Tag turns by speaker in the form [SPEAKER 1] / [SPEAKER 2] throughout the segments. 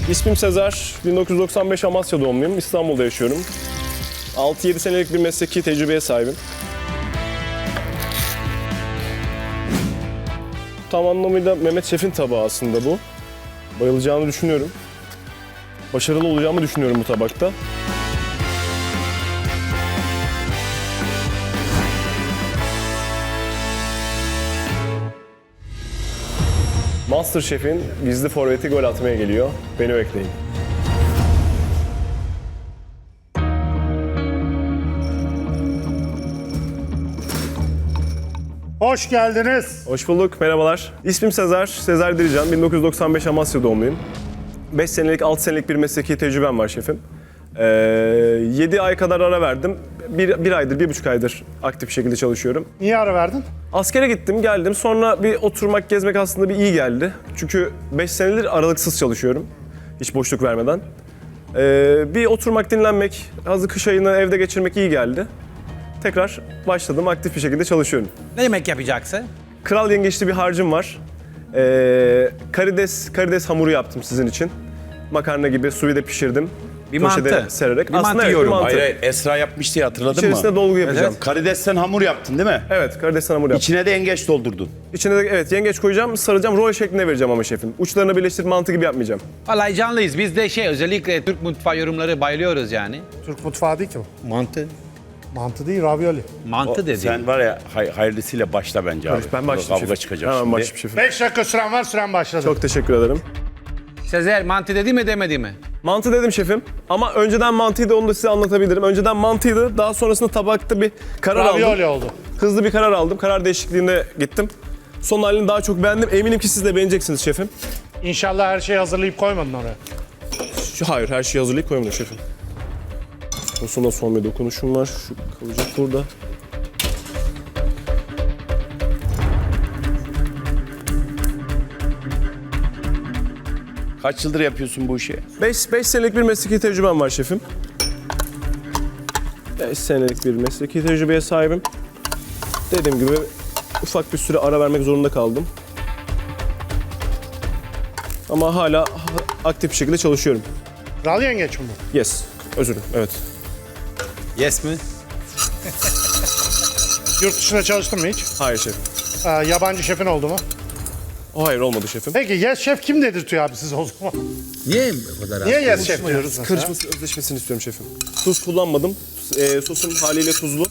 [SPEAKER 1] İsmim Sezer, 1995 Amasya doğumluyum, İstanbul'da yaşıyorum. 6-7 senelik bir mesleki tecrübeye sahibim. Tam anlamıyla Mehmet Şef'in tabağı aslında bu. Bayılacağını düşünüyorum. Başarılı olacağımı düşünüyorum bu tabakta. MasterChef'in gizli forveti gol atmaya geliyor. Beni bekleyin.
[SPEAKER 2] Hoş geldiniz.
[SPEAKER 1] Hoş bulduk, merhabalar. İsmim Sezer, Sezer Dirican. 1995 Amasya doğumluyum. 5 senelik, 6 senelik bir mesleki tecrübem var şefim. 7 ay kadar ara verdim. Bir aydır, 1,5 aydır aktif bir şekilde çalışıyorum.
[SPEAKER 2] Niye ara verdin?
[SPEAKER 1] Askere gittim, geldim. Sonra bir oturmak, gezmek aslında bir iyi geldi. Çünkü 5 senedir aralıksız çalışıyorum. Hiç boşluk vermeden. Bir oturmak, dinlenmek, hazır kış ayını evde geçirmek iyi geldi. Tekrar başladım, aktif bir şekilde çalışıyorum.
[SPEAKER 3] Ne yemek yapacaksın?
[SPEAKER 1] Kral yengeçli bir harcım var. Karides hamuru yaptım sizin için. Makarna gibi suyu pişirdim.
[SPEAKER 3] Bir
[SPEAKER 1] Poşete
[SPEAKER 3] mantı.
[SPEAKER 1] sererek.
[SPEAKER 3] Bir mantı
[SPEAKER 1] Aslında evet, bir
[SPEAKER 3] yiyorum.
[SPEAKER 1] mantı.
[SPEAKER 4] Hayır, Esra yapmıştı ya, hatırladın
[SPEAKER 1] İçerisine
[SPEAKER 4] mı?
[SPEAKER 1] dolgu yapacağım.
[SPEAKER 4] Karidesten hamur yaptın değil mi?
[SPEAKER 1] Evet, karidesten hamur yaptım.
[SPEAKER 4] İçine de yengeç doldurdun.
[SPEAKER 1] İçine de evet yengeç koyacağım, saracağım, rol şeklinde vereceğim ama şefim. Uçlarını birleştirip mantı gibi yapmayacağım.
[SPEAKER 3] Vallahi canlıyız. Biz de özellikle Türk mutfağı yorumları bayılıyoruz yani.
[SPEAKER 2] Türk mutfağı değil ki bu.
[SPEAKER 3] Mantı.
[SPEAKER 2] Mantı değil, ravioli.
[SPEAKER 3] Mantı dedi.
[SPEAKER 4] Sen var ya hayırlısıyla başla bence abi.
[SPEAKER 1] Ben başlayayım
[SPEAKER 4] Kavga
[SPEAKER 1] şefim.
[SPEAKER 4] çıkacak
[SPEAKER 1] Hemen
[SPEAKER 4] şimdi.
[SPEAKER 1] başlayayım şefim.
[SPEAKER 2] 5 dakika süren var, süren başladı.
[SPEAKER 1] Çok teşekkür ederim.
[SPEAKER 3] Sezer mantı dedi mi demedi mi?
[SPEAKER 1] Mantı dedim şefim ama önceden mantıydı, onu da size anlatabilirim. Önceden mantıydı, daha sonrasında tabakta bir karar aldım.
[SPEAKER 2] Ravioli oldu.
[SPEAKER 1] Hızlı bir karar aldım, karar değişikliğine gittim. Son halini daha çok beğendim. Eminim ki siz de beğeneceksiniz şefim.
[SPEAKER 2] İnşallah her şeyi hazırlayıp koymadın oraya.
[SPEAKER 1] Hayır, her şeyi hazırlayıp koymadım şefim. Sosuna son bir dokunuşum var. Şu kalacak burada.
[SPEAKER 4] Kaç yıldır yapıyorsun bu işi?
[SPEAKER 1] 5 senelik bir mesleki tecrübem var şefim. 5 senelik bir mesleki tecrübeye sahibim. Dediğim gibi ufak bir süre ara vermek zorunda kaldım. Ama hala aktif bir şekilde çalışıyorum.
[SPEAKER 2] Kral yengeç mi bu?
[SPEAKER 1] Yes, özür dilerim, evet.
[SPEAKER 3] Yes mi?
[SPEAKER 2] Yurt dışında çalıştın mı hiç?
[SPEAKER 1] Hayır şefim.
[SPEAKER 2] Yabancı şefin oldu mu?
[SPEAKER 1] Hayır, olmadı şefim.
[SPEAKER 2] Peki yes şef kim dedirtiyor abi siz o zaman?
[SPEAKER 3] Niye bu kadar
[SPEAKER 2] Niye yes şef diyoruz mesela?
[SPEAKER 1] Karışması, özleşmesini istiyorum şefim. Tuz kullanmadım. Sosum haliyle tuzlu.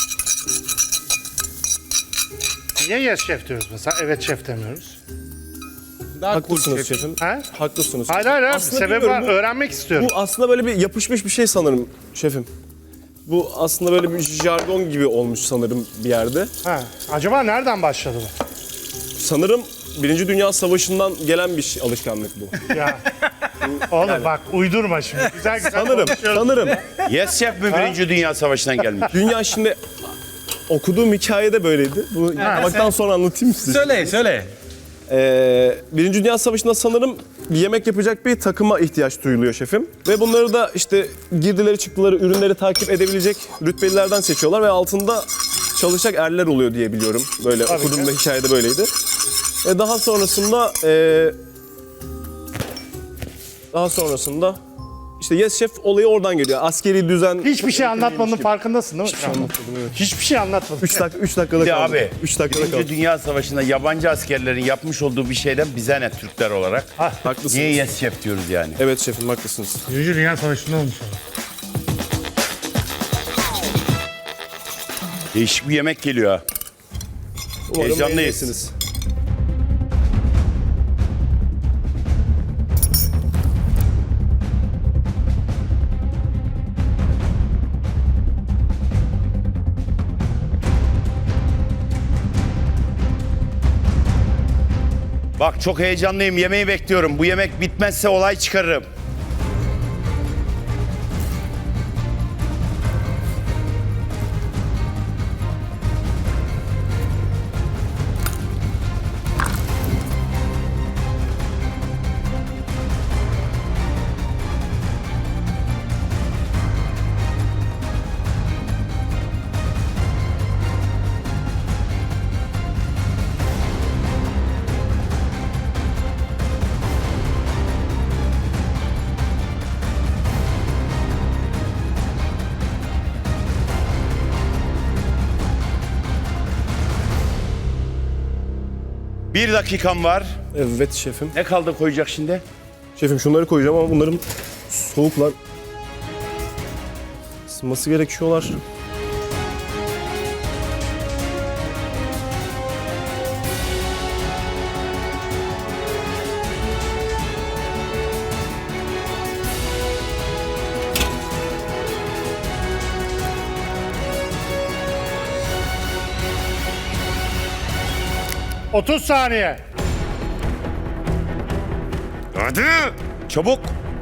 [SPEAKER 2] Niye yes şef diyoruz mesela? Evet şef demiyoruz.
[SPEAKER 3] Daha
[SPEAKER 1] Haklısınız şefim.
[SPEAKER 2] He?
[SPEAKER 1] Haklısınız.
[SPEAKER 2] Hayır hayır,
[SPEAKER 1] Aslında
[SPEAKER 2] sebebi
[SPEAKER 1] bilmiyorum,
[SPEAKER 2] var.
[SPEAKER 1] bu-
[SPEAKER 2] Öğrenmek istiyorum.
[SPEAKER 1] Bu aslında böyle bir yapışmış bir şey sanırım şefim. Bu aslında böyle bir jargon gibi olmuş sanırım bir yerde.
[SPEAKER 2] Ha. Acaba nereden başladı bu?
[SPEAKER 1] Sanırım Birinci Dünya Savaşı'ndan gelen bir alışkanlık bu.
[SPEAKER 2] Ya. Oğlum bak uydurma şimdi. Güzel güzel
[SPEAKER 1] Sanırım,
[SPEAKER 2] konuşuyoruz.
[SPEAKER 1] sanırım.
[SPEAKER 4] Yes Chef mi Birinci Dünya Savaşı'ndan gelmiş?
[SPEAKER 1] Dünya şimdi okuduğum hikayede böyleydi. Bunu yapmaktan sonra anlatayım size.
[SPEAKER 3] Söyle.
[SPEAKER 1] Birinci Dünya Savaşı'nda sanırım bir yemek yapacak bir takıma ihtiyaç duyuluyor şefim. Ve bunları da işte girdileri çıktıları, ürünleri takip edebilecek rütbelilerden seçiyorlar ve altında çalışacak erler oluyor diye biliyorum. Böyle
[SPEAKER 2] Tabii
[SPEAKER 1] okuduğumda
[SPEAKER 2] ki.
[SPEAKER 1] hikayede böyleydi. Daha sonrasında işte Yes Chef olayı oradan geliyor. Askeri düzen...
[SPEAKER 2] Hiçbir şey anlatmadığının farkındasın değil mi? Hiçbir şey anlatmadın.
[SPEAKER 1] 3 dakikada
[SPEAKER 4] Bir de
[SPEAKER 1] kaldı.
[SPEAKER 4] abi,
[SPEAKER 1] 3 dakikada
[SPEAKER 4] Birinci
[SPEAKER 1] kaldı.
[SPEAKER 4] Dünya Savaşı'nda yabancı askerlerin yapmış olduğu bir şeyden bize ne Türkler olarak?
[SPEAKER 1] Haklısınız.
[SPEAKER 4] Niye Yes Chef diyoruz yani?
[SPEAKER 1] Evet şefim, haklısınız.
[SPEAKER 2] Birinci Dünya Savaşı'nda olmuş o.
[SPEAKER 4] Değişik bir yemek geliyor ha.
[SPEAKER 1] Umarım
[SPEAKER 4] Heyecanlıyız.
[SPEAKER 1] beğenirsiniz.
[SPEAKER 4] Bak çok heyecanlıyım, yemeği bekliyorum. Bu yemek bitmezse olay çıkarırım. 1 dakikam var.
[SPEAKER 1] Evet şefim.
[SPEAKER 4] Ne kaldı koyacak şimdi?
[SPEAKER 1] Şefim şunları koyacağım ama bunların soğuklar. Isınması gerekiyorlar.
[SPEAKER 2] Hı. 30 saniye.
[SPEAKER 4] Hadi. Çabuk.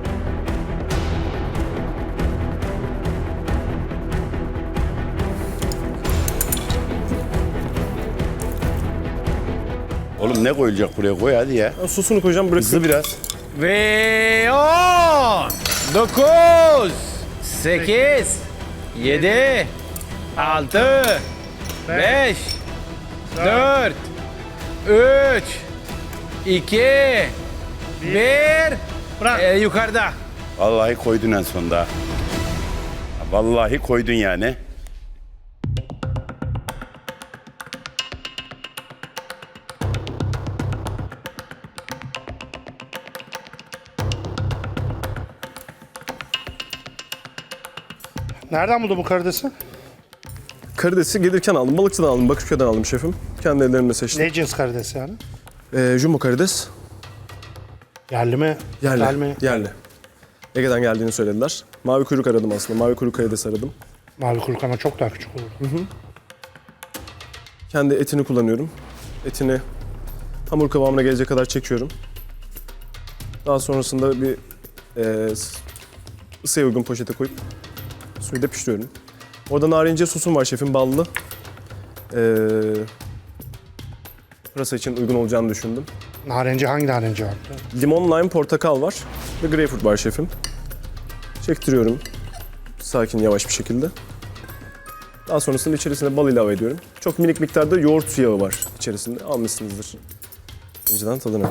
[SPEAKER 4] Oğlum ne koyulacak buraya, koy hadi ya.
[SPEAKER 1] Ben sosunu koyacağım, bırakın.
[SPEAKER 4] Hızlı biraz.
[SPEAKER 3] Ve 10, 9, 8, 7, 6, 5, 4, 3, 2, 1.
[SPEAKER 2] Bırak.
[SPEAKER 3] Yukarıda.
[SPEAKER 4] Vallahi koydun en sonunda. Vallahi koydun yani.
[SPEAKER 2] Nereden buldun bu karidesi?
[SPEAKER 1] Karidesi gelirken aldım, balıkçıdan aldım, Bakırköy'den aldım şefim. Kendi ellerimle seçtim.
[SPEAKER 2] Ne cins karidesi yani?
[SPEAKER 1] Jumbo karides.
[SPEAKER 2] Yerli mi?
[SPEAKER 1] Yerli.
[SPEAKER 2] Yerli mi?
[SPEAKER 1] Yerli. Ege'den geldiğini söylediler. Mavi kuyruk aradım aslında. Mavi kuyruk karides aradım.
[SPEAKER 2] Mavi kuyruk ama çok daha küçük olur.
[SPEAKER 1] Kendi etini kullanıyorum. Etini hamur kıvamına gelecek kadar çekiyorum. Daha sonrasında bir ısıya uygun poşete koyup suyu da pişiriyorum. Orada narince sosum var şefim, ballı. Pırasa için uygun olacağını düşündüm.
[SPEAKER 2] Narenci hangi narenci var?
[SPEAKER 1] Limon, lime, portakal var ve greyfurt var şefim. Çektiriyorum. Sakin, yavaş bir şekilde. Daha sonrasında içerisine bal ilave ediyorum. Çok minik miktarda yoğurt yağı var içerisinde. Almışsınızdır. İnceden tadını.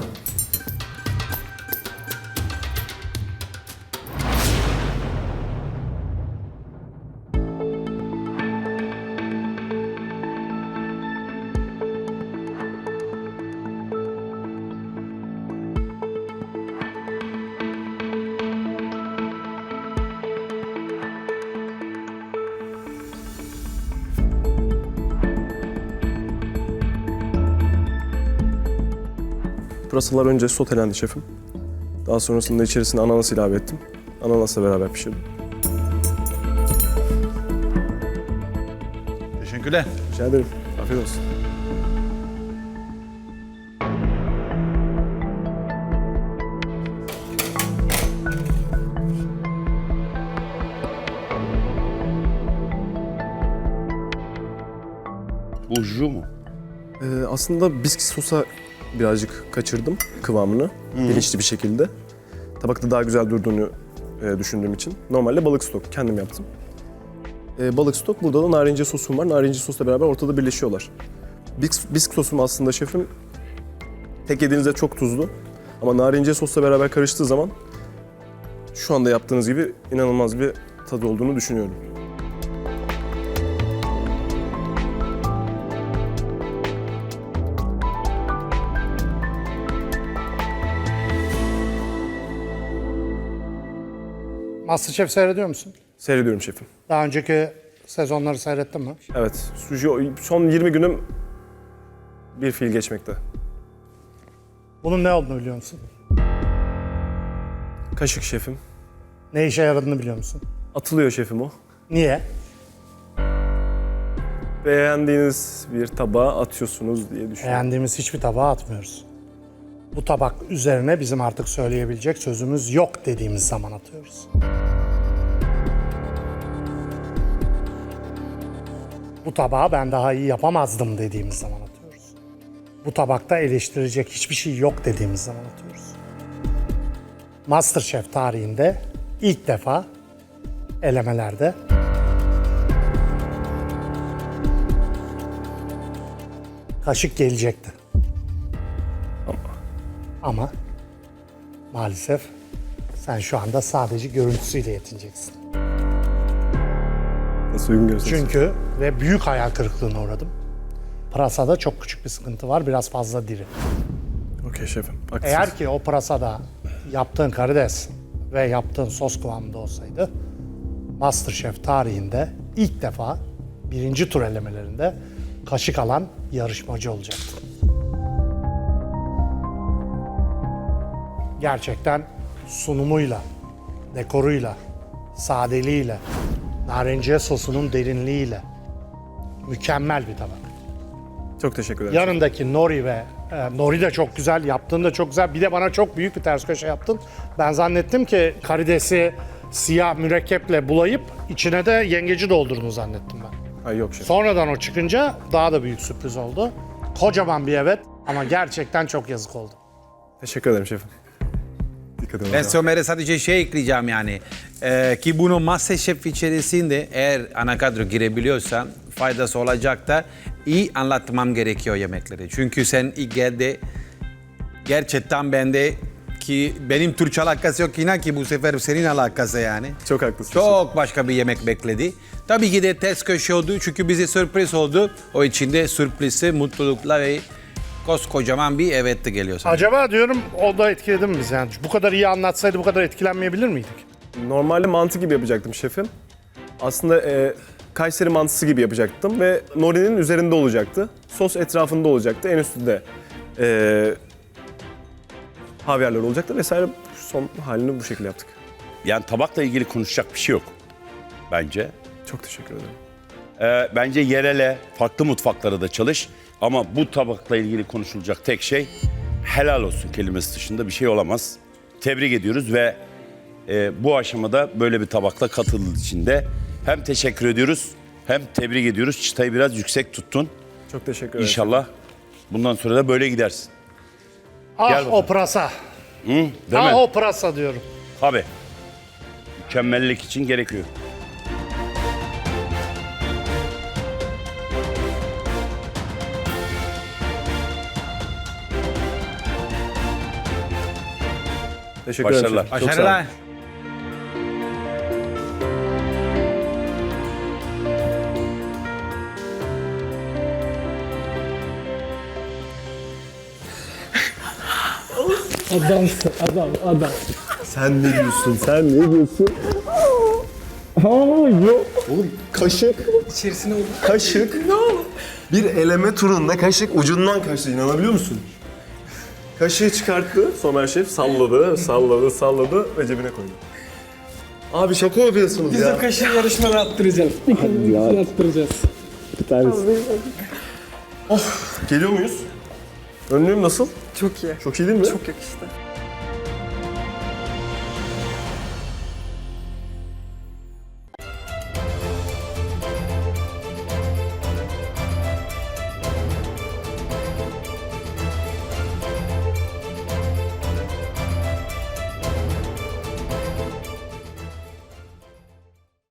[SPEAKER 1] Pırasalar önce sotelendi şefim. Daha sonrasında içerisine ananas ilave ettim. Ananasla beraber pişirdim.
[SPEAKER 3] Teşekkürler.
[SPEAKER 1] Rica ederim. Afiyet olsun.
[SPEAKER 4] Bu ju mu?
[SPEAKER 1] Aslında bisküvi sosa birazcık kaçırdım kıvamını. Bilinçli bir şekilde. Tabakta daha güzel durduğunu düşündüğüm için. Normalde balık stok kendim yaptım. Balık stok, burada da narince sosum var. Narince sosla beraber ortada birleşiyorlar. Bisk sosum aslında şefim tek yediğinizde çok tuzlu. Ama narince sosla beraber karıştığı zaman şu anda yaptığınız gibi inanılmaz bir tadı olduğunu düşünüyorum.
[SPEAKER 2] Masterchef seyrediyor musun?
[SPEAKER 1] Seyrediyorum şefim.
[SPEAKER 2] Daha önceki sezonları seyrettin mi?
[SPEAKER 1] Evet, son 20 günüm bir fiil geçmekte.
[SPEAKER 2] Bunun ne olduğunu biliyor musun?
[SPEAKER 1] Kaşık şefim.
[SPEAKER 2] Ne işe yaradığını biliyor musun?
[SPEAKER 1] Atılıyor şefim o.
[SPEAKER 2] Niye?
[SPEAKER 1] Beğendiğiniz bir tabağa atıyorsunuz diye düşünüyorum.
[SPEAKER 2] Beğendiğimiz hiçbir tabağa atmıyoruz. Bu tabak üzerine bizim artık söyleyebilecek sözümüz yok dediğimiz zaman atıyoruz. Bu tabağı ben daha iyi yapamazdım dediğimiz zaman atıyoruz. Bu tabakta eleştirecek hiçbir şey yok dediğimiz zaman atıyoruz. MasterChef tarihinde ilk defa elemelerde kaşık gelecekti. Ama maalesef sen şu anda sadece görüntüsüyle yetineceksin.
[SPEAKER 1] Nasıl uygun görürsünüz?
[SPEAKER 2] Çünkü ve büyük hayal kırıklığına uğradım. Pırasada çok küçük bir sıkıntı var. Biraz fazla diri.
[SPEAKER 1] Okey şefim. Haklısınız.
[SPEAKER 2] Eğer ki o pırasada yaptığın karides ve yaptığın sos kıvamında olsaydı MasterChef tarihinde ilk defa birinci tur elemelerinde kaşık alan yarışmacı olacaktı. Gerçekten sunumuyla, dekoruyla, sadeliğiyle, narenciye sosunun derinliğiyle mükemmel bir tabak.
[SPEAKER 1] Çok teşekkür ederim.
[SPEAKER 2] Yanındaki nori ve nori de çok güzel, yaptığın da çok güzel. Bir de bana çok büyük bir ters köşe yaptın. Ben zannettim ki karidesi siyah mürekkeple bulayıp içine de yengeci doldurdun zannettim ben.
[SPEAKER 1] Ay yok şefim.
[SPEAKER 2] Sonradan o çıkınca daha da büyük sürpriz oldu. Kocaman bir evet ama gerçekten çok yazık oldu.
[SPEAKER 1] Teşekkür ederim şefim. Dikkat edin.
[SPEAKER 3] Ben Somer'e sadece şey ekleyeceğim yani. Ki bunu MasterChef içerisinde eğer ana kadro girebiliyorsan faydası olacak da iyi anlatmam gerekiyor yemekleri. Çünkü sen ilk geldi gerçekten bende ki benim Türkçe alakası yok inan ki bu sefer senin alakası yani.
[SPEAKER 1] Çok haklısınız.
[SPEAKER 3] Çok başka bir yemek bekledi. Tabii ki de ters köşe oldu çünkü bize sürpriz oldu. O içinde sürprizi, mutlulukla ve koskocaman bir evet de geliyor sana.
[SPEAKER 2] Acaba diyorum o da etkiledi mi bizi yani? Bu kadar iyi anlatsaydı bu kadar etkilenmeyebilir miydik?
[SPEAKER 1] Normalde mantı gibi yapacaktım şefim. Aslında Kayseri mantısı gibi yapacaktım ve Nori'nin üzerinde olacaktı. Sos etrafında olacaktı. En üstünde havyarlar olacaktı vesaire. Son halini bu şekilde yaptık.
[SPEAKER 4] Yani tabakla ilgili konuşacak bir şey yok bence.
[SPEAKER 1] Çok teşekkür ederim.
[SPEAKER 4] Bence yerele, farklı mutfaklara da çalış. Ama bu tabakla ilgili konuşulacak tek şey helal olsun kelimesi dışında bir şey olamaz. Tebrik ediyoruz ve bu aşamada böyle bir tabakla katıldığı için de hem teşekkür ediyoruz hem tebrik ediyoruz. Çıtayı biraz yüksek tuttun.
[SPEAKER 1] Çok teşekkür ederim.
[SPEAKER 4] İnşallah bundan sonra da böyle gidersin. Gel
[SPEAKER 2] Ah
[SPEAKER 4] bakalım.
[SPEAKER 2] o pırasa.
[SPEAKER 4] Değil
[SPEAKER 2] Ah
[SPEAKER 4] mi?
[SPEAKER 2] o pırasa diyorum.
[SPEAKER 4] Tabii. Mükemmellik için gerekiyor.
[SPEAKER 1] Teşekkür ederim.
[SPEAKER 4] Başarılar.
[SPEAKER 1] şefim. Çok sağ olun.
[SPEAKER 3] Başarılar.
[SPEAKER 1] Sen ne diyorsun? Sen ne diyorsun? Oğlum kaşık. İçerisine oldu. Kaşık. Ne oldu? Bir eleme turunda kaşık ucundan kaçtı. İnanabiliyor musun? Kaşığı çıkarttı. Somer Şef salladı ve cebine koydu. Abi şaka yapıyorsunuz ya.
[SPEAKER 5] Bizim kaşığı yarışmada attıracağız. İkimiz attıracağız.
[SPEAKER 1] Geliyor muyuz? Önlüğüm nasıl?
[SPEAKER 5] Çok iyi.
[SPEAKER 1] Çok iyi değil mi?
[SPEAKER 5] Çok yakıştı.